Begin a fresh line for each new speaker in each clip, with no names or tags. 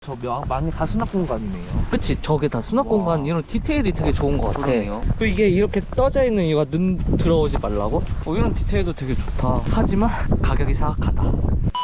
저 많이 다 수납 공간이네요.
그치, 저게 다 수납 공간. 이런 디테일이 되게 좋은 것 같아.
그러네요.
그 이게 이렇게 떠져 있는 이유가 눈 들어오지 말라고? 이런 디테일도 되게 좋다. 하지만 가격이 사악하다.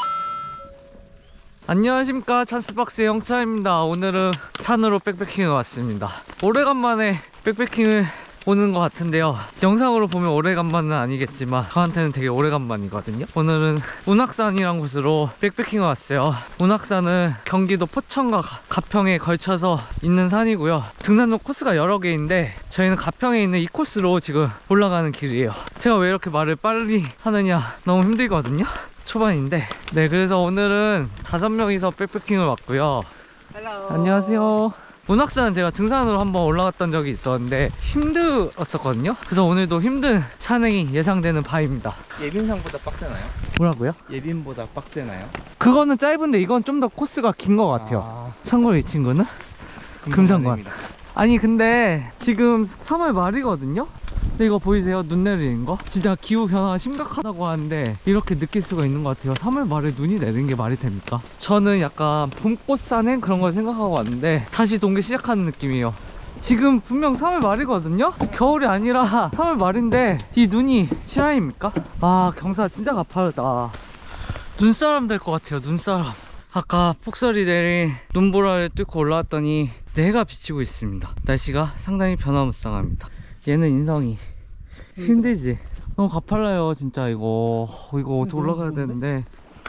안녕하십니까, 찬스박스의 영차입니다. 오늘은 산으로 백패킹을 왔습니다. 오래간만에 백패킹을 오는 것 같은데요, 영상으로 보면 오래간만은 아니겠지만 저한테는 되게 오래간만이거든요. 오늘은 운악산이란 곳으로 백패킹을 왔어요. 운악산은 경기도 포천과 가평에 걸쳐서 있는 산이고요. 등산로 코스가 여러 개인데 저희는 가평에 있는 이 코스로 지금 올라가는 길이에요. 제가 왜 이렇게 말을 빨리 하느냐, 너무 힘들거든요, 초반인데. 네, 그래서 오늘은 5명이서 백패킹을 왔고요.
헬로.
안녕하세요. 운악산은 제가 등산으로 한번 올라갔던 적이 있었는데 힘들었었거든요. 그래서 오늘도 힘든 산행이 예상되는 바입니다.
예빈상보다 빡세나요?
뭐라고요?
예빈보다 빡세나요?
그거는 짧은데 이건 좀 더 코스가 긴 것 같아요. 참고로 이 친구는 금상관. 아니 근데 지금 3월 말이거든요? 근데 이거 보이세요? 눈 내리는 거? 진짜 기후변화가 심각하다고 하는데 이렇게 느낄 수가 있는 것 같아요. 3월 말에 눈이 내리는 게 말이 됩니까? 저는 약간 봄꽃 산행 그런 걸 생각하고 왔는데 다시 동계 시작하는 느낌이에요. 지금 분명 3월 말이거든요? 겨울이 아니라 3월 말인데 이 눈이 실화입니까? 아, 경사 진짜 가파르다. 눈사람 될 것 같아요, 눈사람. 아까 폭설이 내린 눈보라를 뚫고 올라왔더니 해가 비치고 있습니다. 날씨가 상당히 변화무쌍합니다. 얘는 인성이 힘들지? 너무 가팔라요 진짜. 이거 어떻게 올라가야 되는데.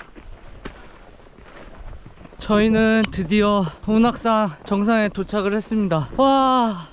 저희는 드디어 운악산 정상에 도착을 했습니다. 와,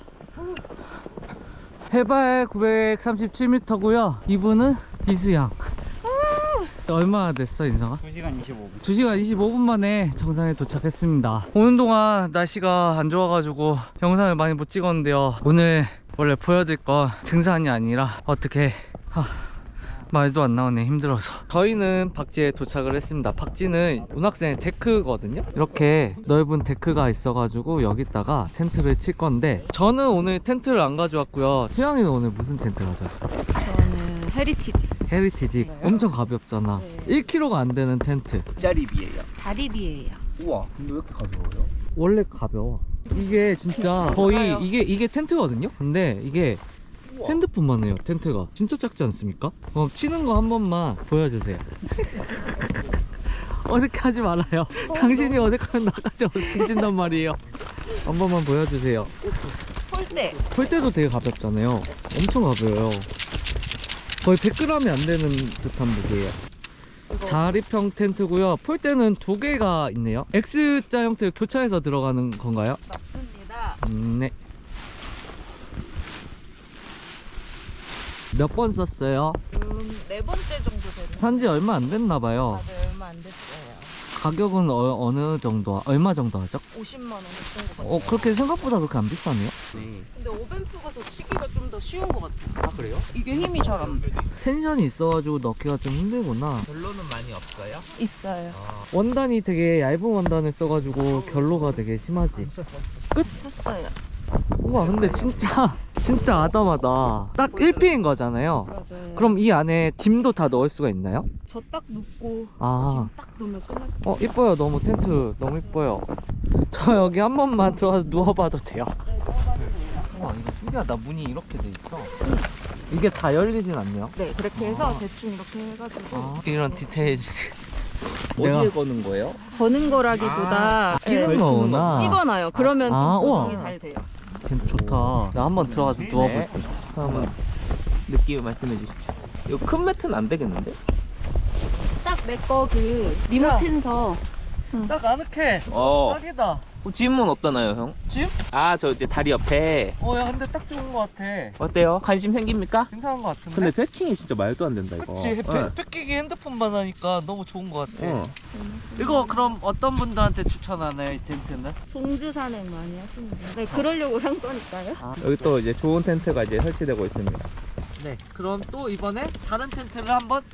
해발 937m고요 이분은 이수양. 얼마나 됐어, 인성아?
2시간 25분.
2시간 25분 만에 정상에 도착했습니다. 오는 동안 날씨가 안 좋아가지고 영상을 많이 못 찍었는데요, 오늘 원래 보여드릴 건 등산이 아니라 어떻게 말도 안 나오네, 힘들어서. 저희는 박지에 도착을 했습니다. 박지는 운악산의 데크거든요. 이렇게 넓은 데크가 있어가지고 여기다가 텐트를 칠 건데, 저는 오늘 텐트를 안 가져왔고요. 수양이는 오늘 무슨 텐트 가져왔어?
저는 헤리티지.
헤리티지. 엄청 가볍잖아.
네.
1kg가 안 되는 텐트.
짜리비예요.
다리비예요.
우와, 근데 왜 이렇게 가벼워요?
원래 가벼워. 이게 진짜 거의 이게 텐트거든요. 근데 이게
우와.
핸드폰만 해요. 텐트가 진짜 작지 않습니까? 그럼 치는 거 한 번만 보여주세요. 어색하지 말아요. 당신이 어색하면 나까지 어색해진단 말이에요. 한 번만 보여주세요.
폴대.
폴대도 되게 가볍잖아요. 엄청 가벼워요. 거의 100g이 안 되는 듯한 무게예요. 자립형 텐트고요. 폴대는 2개가 있네요. X자 형태로 교차해서 들어가는 건가요?
맞습니다.
네. 몇 번 썼어요?
네 번째 정도 되는.
산지 얼마 안 됐나봐요.
맞아요, 얼마 안 됐어요.
가격은 어느 정도, 얼마 정도 하죠?
50만 원 했던 것 같아요.
그렇게 생각보다 그렇게 안 비싸네요.
네.
근데 오벤프가 더 치기가 좀 더 쉬운 것 같아요.
아, 그래요?
이게 힘이 잘 안 돼.
텐션이 있어가지고 넣기가 좀 힘들구나.
결론은 많이 없어요?
있어요.
원단이 되게 얇은 원단을 써가지고 결로가 되게 심하지.
쳤어요.
우와, 근데 진짜 아담하다. 딱 1피인 거잖아요.
맞아요.
그럼 이 안에 짐도 다 넣을 수가 있나요?
저 딱 눕고
아,
지금 딱 놓으면 끝날
이뻐요. 너무 텐트 너무 이뻐요. 저 여기 한 번만 들어가서 누워봐도 돼요? 우와, 이거 신기하다. 문이 이렇게 돼 있어. 이게 다 열리진 않네요.
네, 그렇게 해서 대충 이렇게 해가지고
이런 디테일.
어디에 거는 거예요?
거는 거라기보다
끼는 거구나.
씹어놔요. 그러면
아,
좀
우와.
고정이 잘 돼요.
좋다. 나 한번 들어가서 누워볼게.
네. 한번 느낌을 말씀해 주십시오. 이거 큰 매트는 안 되겠는데?
딱 내 거 그 리모트 텐서
딱 아늑해.
어.
딱이다.
짐은 없다나요, 형?
짐?
아, 저 이제 다리 옆에.
야, 근데 딱 좋은 거 같아.
어때요? 관심 생깁니까?
괜찮은 거 같은데?
근데 패킹이 진짜 말도 안 된다, 이거.
그치,
어.
뺏기기 핸드폰만 하니까 너무 좋은 거 같아.
어.
이거 그럼 어떤 분들한테 추천하나요, 이 텐트는?
종주 산행 많이 하시는데 네, 그러려고 산 거니까요.
여기 또 이제 좋은 텐트가 이제 설치되고 있습니다.
네, 그럼 또 이번에 다른 텐트를 한번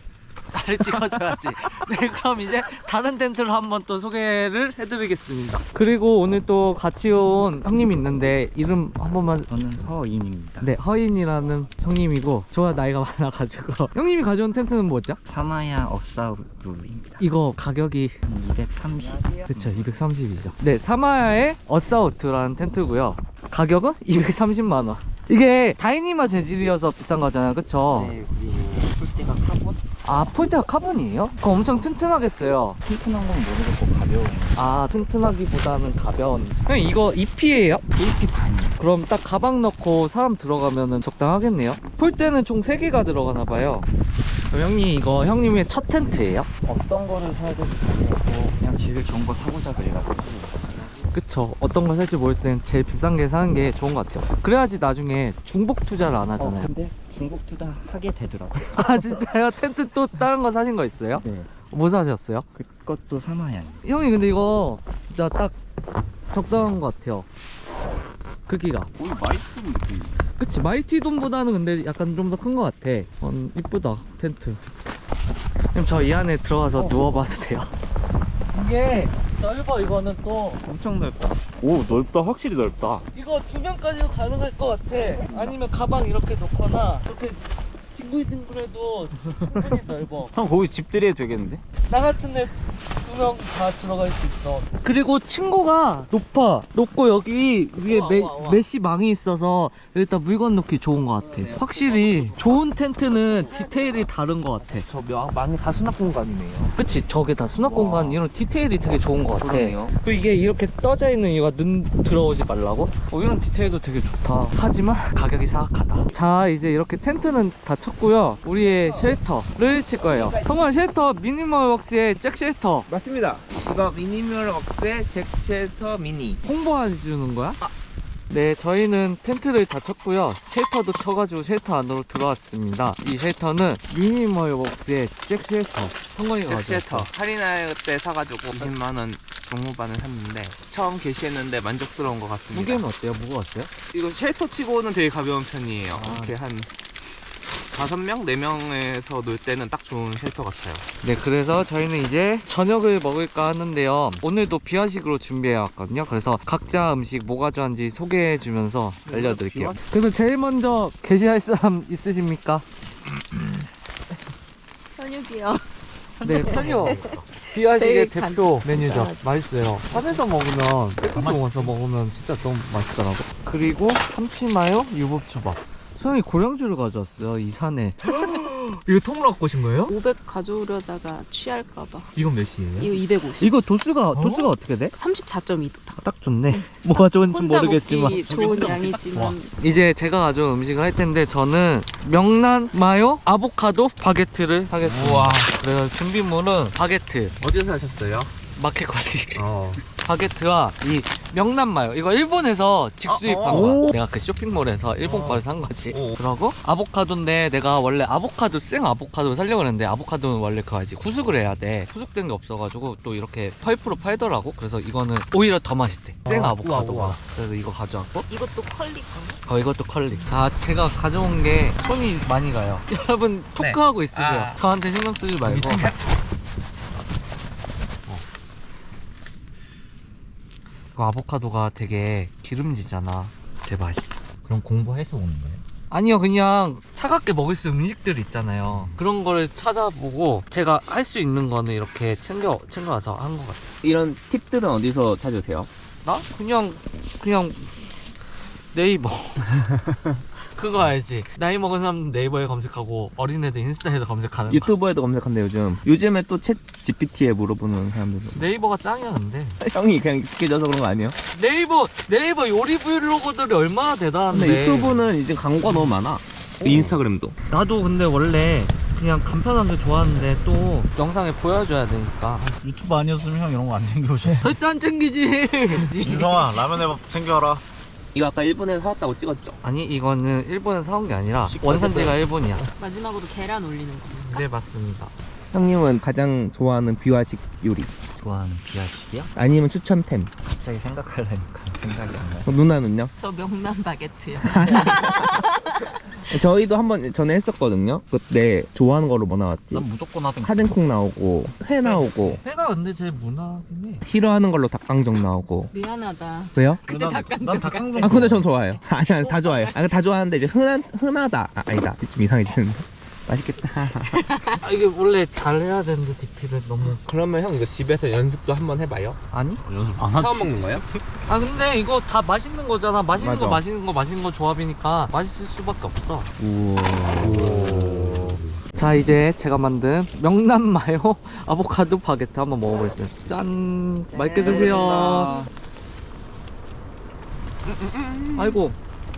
나를 찍어줘야지. 네, 그럼 이제 다른 텐트를 한번 또 소개를 해드리겠습니다. 그리고 오늘 또 같이 온 형님이 있는데 이름 한 번만.
저는 허인입니다.
네, 허인이라는 형님이고 저와 나이가 많아가지고 형님이 가져온 텐트는 뭐죠?
사마야 어사우드입니다.
이거 가격이
230.
그쵸, 230이죠. 네, 사마야의 어사우트라는 텐트고요. 가격은 230만원. 이게 다이니마 재질이어서 비싼 거잖아요, 그쵸?
네, 그리고 폴대가 카본?
아, 폴대가 카본이에요? 그럼 엄청 튼튼하겠어요.
튼튼한 건 모르겠고 가벼운.
아, 튼튼하기보다는 가벼운. 형, 이거 EP예요?
AP 반이요.
그럼 딱 가방 넣고 사람 들어가면은 적당하겠네요. 폴대는 총 3개가 들어가나봐요. 그럼 형님, 이거 형님의 첫 텐트예요?
어떤 거를 사야 될지 모르겠고 그냥 제일 좋은 거 사고자 그래가지고.
그쵸, 어떤 걸 살지 모를 땐 제일 비싼 게 사는 게 좋은 것 같아요. 그래야지 나중에 중복 투자를 안 하잖아요.
근데 중복 투자 하게 되더라고요.
아, 진짜요? 텐트 또 다른 거 사신 거 있어요?
네.
뭐 사셨어요?
그것도 사마야.
형이 근데 이거 진짜 딱 적당한 것 같아요. 크기가.
거의 마이크 느낌.
그치, 마이티돔보다는 근데 약간 좀 더 큰 것 같아. 이쁘다, 텐트. 그럼 저 이 안에 들어가서 누워봐도 돼요? 이게 넓어. 이거는 또
엄청 넓다. 오, 넓다. 확실히 넓다.
이거 2명까지도 가능할 것 같아. 아니면 가방 이렇게 놓거나 이렇게 뒹굴뒹굴해도 충분히 넓어.
형, 거기 집들이 되겠는데?
나 같은 애 2명 다 들어갈 수 있어. 그리고 층고가 높고 여기 위에 메쉬 망이 있어서 여기다 물건 놓기 좋은 것 같아. 확실히 좋은 텐트는 디테일이 다른 것 같아.
저 망이 다 수납 공간이네요.
그치, 저게 다 수납 공간. 이런 디테일이 되게 좋은 것 같아.
그러네요.
그리고 이게 이렇게 떠져 있는 이유가 눈 들어오지 말라고. 이런 디테일도 되게 좋다. 하지만 가격이 사악하다. 자, 이제 이렇게 텐트는 다 쳤고요. 우리의 쉘터를 칠 거예요. 성원 쉘터 미니멀웍스의 잭 쉘터
맞습니다. 이거 미니멀 웍스의 잭 쉘터 미니.
홍보해 주는 거야? 네, 저희는 텐트를 다 쳤고요. 쉘터도 쳐가지고 쉘터 안으로 들어왔습니다. 이 쉘터는 미니멀웍스의 잭 쉘터. 성건이가
잭
가져왔어.
쉘터 할인할 때 사가지고 20만원 중후반을 했는데 처음 게시했는데 만족스러운 것 같습니다.
무게는 어때요? 무거웠어요?
이거 쉘터 치고는 되게 가벼운 편이에요. 이렇게 한 5명, 4명에서 놀 때는 딱 좋은 쉘터 같아요.
네, 그래서 저희는 이제 저녁을 먹을까 하는데요. 오늘도 비화식으로 준비해 왔거든요. 그래서 각자 음식 뭐 가져왔는지 소개해 주면서 알려드릴게요. 그래서 제일 먼저 게시할 사람 있으십니까?
현육이요.
네, 편요. 비화식의
제일
대표 메뉴죠. 맛있어요. 산에서 먹으면 깨끗이 먹어서 먹으면 진짜 너무 맛있더라고. 그리고 참치마요, 유부초밥. 수영이 고량주를 가져왔어요, 이 산에.
이거 통으로 갖고 오신 거예요?
500 가져오려다가 취할까봐.
이건 몇이에요?
이거 250.
이거 도수가 어떻게 돼?
34.2도.
딱 좋네. 뭐가 좋은지
혼자
모르겠지만.
먹기 좋은 양이지만.
이제 제가 가져온 음식을 할 텐데 저는 명란 마요 아보카도 바게트를 하겠습니다.
우와.
그래서 준비물은 바게트,
어디서 사셨어요?
마켓 관리 바게트와 이 명란 마요. 이거 일본에서 직수입한
아,
거야. 내가 그 쇼핑몰에서 일본 거를 산 거지. 그러고 아보카도인데 내가 원래 아보카도 생 아보카도를 살려고 했는데 아보카도는 원래 그거 알지, 후숙을 해야 돼. 후숙된 게 없어가지고 또 이렇게 펄프로 팔더라고. 그래서 이거는 오히려 더 맛있대, 생 아보카도가.
우와.
그래서 이거 가져왔고,
이것도 컬리 거.
이것도 컬리. 자, 제가 가져온 게 손이 많이 가요. 여러분 토크하고 있으세요.
아.
저한테 신경 쓰지 말고. 그 아보카도가 되게 기름지잖아. 되게 맛있어.
그럼 공부해서 오는 거예요?
아니요, 그냥 차갑게 먹을 수 있는 음식들 있잖아요. 그런 거를 찾아보고 제가 할 수 있는 거는 이렇게 챙겨와서 한 것 같아요.
이런 팁들은 어디서 찾으세요?
나? 그냥 네이버. 그거 알지? 나이 먹은 사람 네이버에 검색하고 어린애들 인스타에서 검색하는 거.
유튜버에도 검색한대 요즘. 요즘에 또 챗 GPT에 물어보는 사람들도.
네이버가 짱이야 근데.
형이 그냥 익숙해져서 그런 거 아니에요?
네이버 요리 브이로그들이 얼마나 대단한데.
근데 유튜브는 이제 광고가 너무 많아. 인스타그램도.
나도 근데 원래 그냥 간편한 게 좋아하는데 또 영상에 보여줘야 되니까.
유튜브 아니었으면 형 이런 거 안 챙겨오셨어.
절대 안 챙기지.
윤성아 라면에 밥 챙겨와라.
이거 아까 일본에서 사왔다고 찍었죠?
아니, 이거는 일본에서 사온 게 아니라 원산지가 일본이야.
마지막으로 계란 올리는 거.
네, 맞습니다.
형님은 가장 좋아하는 비화식 요리?
좋아하는 비하식이요?
아니면 추천템?
갑자기 생각하려니까 생각이 안 나요.
누나는요?
저 명란 바게트요.
저희도 한번 전에 했었거든요. 그때 좋아하는 거로 뭐 나왔지?
난 무조건 하든
하등콩 나오고 회 나오고
회가 근데 제일 무난하긴 해.
싫어하는 걸로 닭강정 나오고.
미안하다.
왜요?
그때 닭강정
난
같이.
닭강정
아 근데 전 좋아해요. 아니 다 좋아해요. 다 좋아하는데 이제 흔하다. 아니다. 좀 이상해지는데. 맛있겠다.
아, 이게 원래 잘해야 되는데 DP를 너무.
그러면 형 이거 집에서 연습도 한번 해봐요.
아니?
연습 안 하지.
처음 먹는 거예요?
아 근데 이거 다 맛있는 거잖아. 맛있는
맞아.
거 맛있는 거 조합이니까 맛있을 수밖에 없어.
우와.
자 이제 제가 만든 명란 마요 아보카도 바게트 한번 먹어보겠습니다. 짠. 맛있게 드세요. 아이고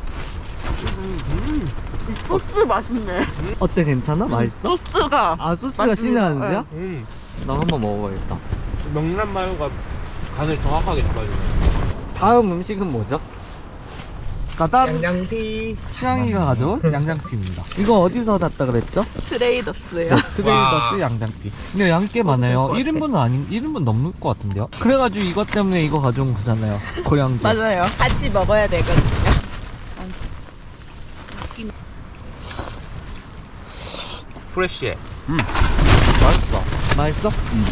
소스 맛있네.
어때, 괜찮아? 맛있어?
소스가.
아 소스가
맛있네.
신의 한 수야? 나 한번 먹어봐야겠다.
명란 마요가 간을 정확하게 잡아주네.
다음 음식은 뭐죠? 가단
양장피.
취향이가 가져온 양장피입니다. 이거 어디서 샀다 그랬죠?
트레이더스예요.
트레이더스 양장피. 근데 양이 꽤 많아요. 1인분은 아닌 1인분 넘을 것 같은데요? 그래가지고 이것 때문에 이거 가져온 거잖아요. 고량주.
맞아요. 같이 먹어야 되거든요.
프레쉬해.
맛있어. 맛있어?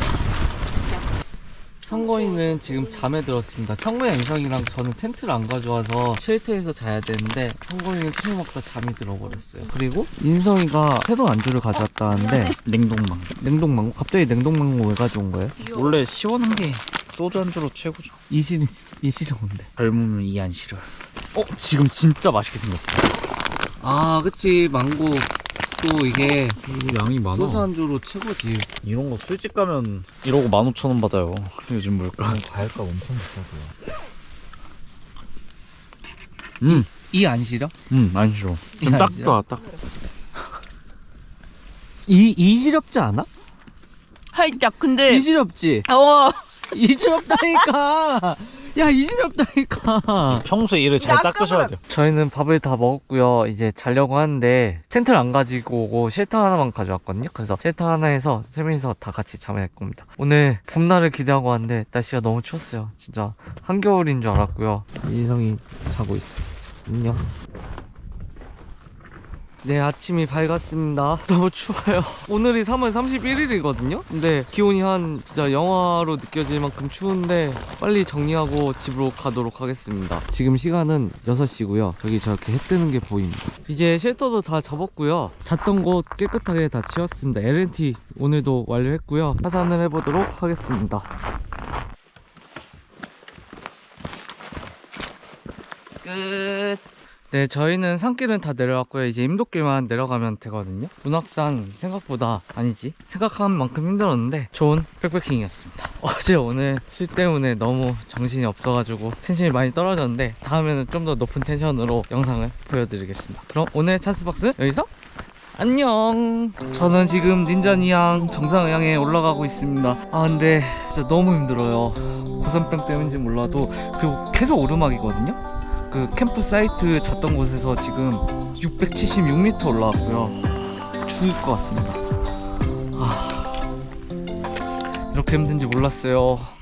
성건이는 지금 잠에 들었습니다. 성건이 인성이랑 저는 텐트를 안 가져와서 쉘터에서 자야 되는데 성건이는 술 먹다 잠이 들어버렸어요. 그리고 인성이가 새로운 안주를 가져왔다는데
냉동망.
냉동망고? 갑자기 냉동망고 왜 가져온 거예요?
원래 시원한 게 소주 안주로 최고죠.
이실이 뭔데?
젊으면 이 안 싫어. 지금 진짜 맛있게 생겼다.
아 그치, 망고 또 이게
양이 많아.
소주 안주로 최고지.
이런 거 술집 가면 이러고 15,000원 받아요. 요즘 물가. 과일값 엄청 비싸고요.
이 안 싫어?
안 싫어.
이 안
딱
싫어?
좋아, 딱.
이 시렵지 않아?
살짝. 근데.
이 시렵지? 이 시렵다니까. 야, 이 시렵다니까.
평소에 이를 잘
약간은-
닦으셔야 돼요.
저희는 밥을 다 먹었고요. 이제 자려고 하는데 텐트를 안 가지고 오고 쉘터 하나만 가져왔거든요. 그래서 쉘터 하나에서 세 명이서 다 같이 잠을 잘 겁니다. 오늘 봄날을 기대하고 왔는데 날씨가 너무 추웠어요. 진짜 한겨울인 줄 알았고요. 인성이 자고 있어요. 안녕. 네, 아침이 밝았습니다. 너무 추워요. 오늘이 3월 31일이거든요? 근데 기온이 한 진짜 영하로 느껴질 만큼 추운데 빨리 정리하고 집으로 가도록 하겠습니다. 지금 시간은 6시고요. 저기 저렇게 해 뜨는 게 보입니다. 이제 쉘터도 다 접었고요. 잤던 곳 깨끗하게 다 치웠습니다. LNT 오늘도 완료했고요. 하산을 해보도록 하겠습니다. 끝. 네, 저희는 산길은 다 내려왔고요. 이제 임도길만 내려가면 되거든요. 문학산 생각보다 아니지, 생각한 만큼 힘들었는데 좋은 백패킹이었습니다. 어제 오늘 술 때문에 너무 정신이 없어가지고 텐션이 많이 떨어졌는데 다음에는 좀 더 높은 텐션으로 영상을 보여드리겠습니다. 그럼 오늘 찬스박스 여기서 안녕. 저는 지금 닌자니양 정상을 향해 올라가고 있습니다. 아 근데 진짜 너무 힘들어요. 고산병 때문인지 몰라도. 그리고 계속 오르막이거든요. 그 캠프 사이트 잤던 곳에서 지금 676m 올라왔고요. 죽을 것 같습니다. 이렇게 힘든지 몰랐어요.